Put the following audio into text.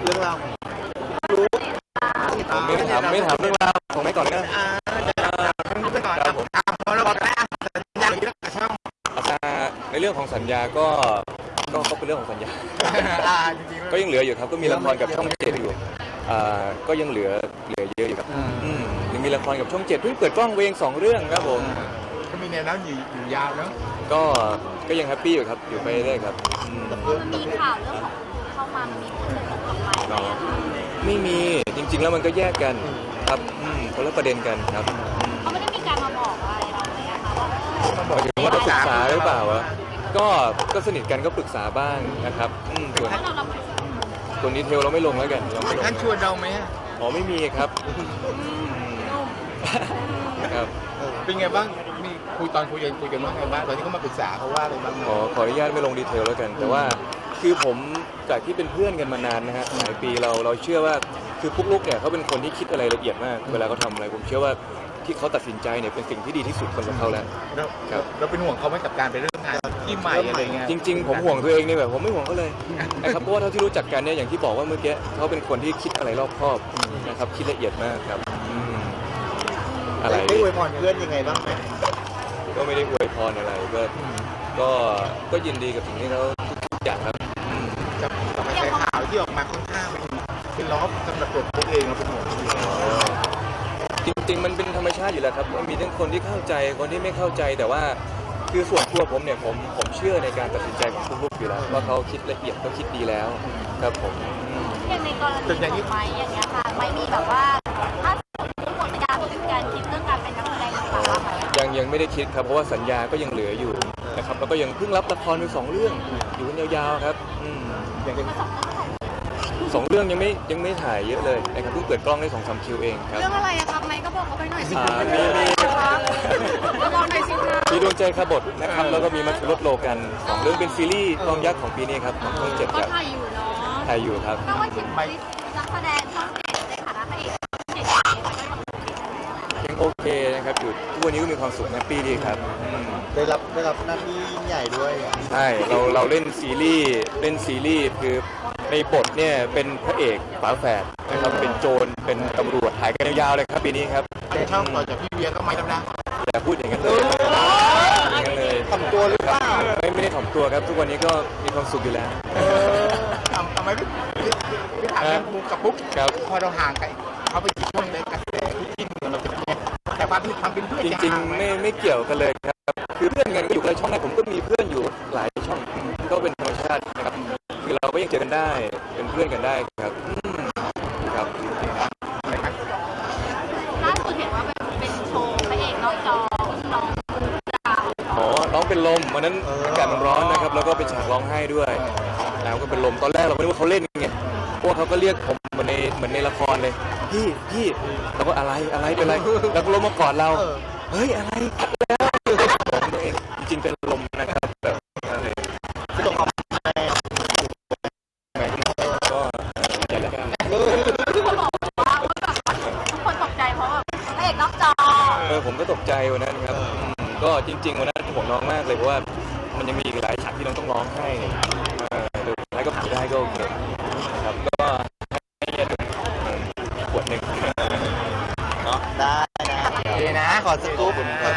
รื่องราวของรู้ผมไม่ถามเรื่องราวของไม่ก่อนนะไปก่อนครับผมพอเราบอกแล้วสัญญาที่เราช่องในเรื่องของสัญญาก็เป็นเรื่องของสัญญาจริงก็ยังเหลืออยู่ครับก็มีละครกับช่องเจ็ดอยู่ก็ยังเหลือเยอะอยู่ครับยังมีละครกับช่องเจ็ดเพิ่งเปิดกล้องเวง2 เรื่องครับผมก็มีแนวนั้นอยู่ยาวเนาะก็ยังแฮปปี้อยู่ครับอยู่ไปเรื่อยครับมันมีข่าวเรื่องของเข้ามามันมีคนตกลงไปไหมไม่มีจริงๆแล้วมันก็แยกกันครับคนละประเด็นกันครับเขาไม่ได้มีการมาบอกอะไรเราเลยอะค่ะว่าหมายถึงว่าปรึกษาหรือเปล่าวะก็สนิทกันก็ปรึกษาบ้างนะครับส่วนดีเทลเราไม่ลงแล้วกันท่านชวนเราไหมอ๋อไม่มีครับครับเป็นไงบ้างมีตอนคุยกันว่าไงบ้างตอนที่เขามาปรึกษาเขาว่าอะไรบ้างขออนุญาตไม่ลงดีเทลแล้วกันแต่ว่าคือผมจากที่เป็นเพื่อนกันมานานนะฮะหลายปีเราเชื่อว่าคือปุ๊กลุ๊กเนี่ยเขาเป็นคนที่คิดอะไรละเอียดมากเวลาเขาทำอะไรผมเชื่อว่าที่เขาตัดสินใจเนี่ยเป็นสิ่งที่ดีที่สุดสำหรับเขาแล้วครับเราเป็นห่วงเขาไหมกับการไปเริ่มงานที่ใหม่อะไรเงี้ยจริงๆผมห่วงตัวเองเนี่ยแบบผมไม่ห่วงเขาเลยนะครับเพราะว่าเท่าที่รู้จักกันเนี่ยอย่างที่บอกว่าเมื่อกี้เขาเป็นคนที่คิดอะไรรอบคอบนะครับคิดละเอียดมากครับอะไรได้อวยพรเพื่อนยังไงบ้างไหมก็ไม่ได้อวยพรอะไรก็ยินดีกับสิ่งที่เขาทุกอย่างครับกับกระแสข่าวที่ออกมาค่อนข้างเป็นล้อสำหรับตัวเองเราเป็นห่วงจริงๆมันเป็นธรรมชาติอยู่แล้วครับมีทั้งคนที่เข้าใจคนที่ไม่เข้าใจแต่ว่าคือส่วนตัวผมเนี่ยผมเชื่อในการตัดสินใจของทุกลูกอยู่แล้วว่าเขาคิดละเอียดเขาคิดดีแล้วครับผมอย่างในกรณีของไม้อย่างเงี้ยค่ะไม้มีแบบว่าถ้าสมมติหมดการคิดเรื่องการเป็นนักแสดงหรือเปล่ายังไม่ได้คิดครับเพราะว่าสัญญาก็ยังเหลืออยู่นะครับแล้วก็ยังเพิ่งรับละครไป2 เรื่องอยู่กันยาวๆครับอย่างเป็น 2 เรื่องยังไม่ถ่ายเยอะเลยนะครับเพิ่งเปิดกล้องได้2-3 คิวเองครับเรื่องอะไรอะครับไม้ก็บอกเขาไปหน่อยสิมีดวงใจขบถนะครับแล้วก็มีมัทรสโลกัน2 เรื่องเป็นซีรีส์กองยักษ์ของปีนี้ครับของช่อง7ครับถ่ายอยู่เนาะถ่ายอยู่ครับก็ว่าชิมนักแสดงช่อง7ในฐานะพระเอกยังโอเคนะครับอยู่ทุกวันนี้ก็มีความสุขแฮปปี้ดีครับได้รับหน้าที่ยิ่งใหญ่ด้วยใช่เราเล่นซีรีส์คือในบทเนี่ยเป็นพระเอกฝาแฝดนะครับเป็นโจรเป็นตำรวจถ่ายกันยาวๆเลยครับปีนี้ครับในช่องต่อจากพี่เวียก็ไม่แล้วนะอย่าพูดอย่างนั้นเลยถ่อมตัวหรือเปล่าไม่ได้ถ่อมตัวครับทุกวันนี้ก็มีความสุขอยู่แล้วทำไมพี่ถามเรื่องมุกกับปุ๊กพอเราห่างกันเขาไปช่วงในกระแสที่เราจะแต่ความที่ทำเป็นเพื่อนจริงๆไม่เกี่ยวกันเลยครับคือเพื่อนกันก็อยู่ในช่องนั้นผมก็มีเพื่อนอยู่หลายช่องก็เป็นธรรมชาตินะครับคือเราก็ยังเจอกันได้เป็นเพื่อนกันได้ครับล่าสุดเห็นว่าเป็นโชว์พระเอกนอกจอน้องเป็นลมวันนั้นอากาศมันร้อนนะครับแล้วก็เป็นฉากร้องไห้ด้วยแล้วก็เป็นลมตอนแรกเราไม่รู้ว่าเขาเล่นไงพวกเขาก็เรียกผมเหมือนในละครเลยพี่เราก็อะไรเป็นไรแล้วก็ลมมากอดเราเฮ้ยอะไรแล้วจริงเป็นลมนะครับแบบนั้นเลยก็ใจแล้วกันทุกคนบอกว่าทุกคนตกใจเพราะแบบพระเอกนอกจอผมก็ตกใจวันนั้นครับก็จริงๆวันนั้นผมร้องมากเลยเพราะว่ามันยังมีอีกหลายฉากที่น้องต้องร้องให้สุดท้ายก็ผ่านได้ก็โอเคครับก็ให้ขวดหนึ่งเนาะได้นะขอสกู๊ป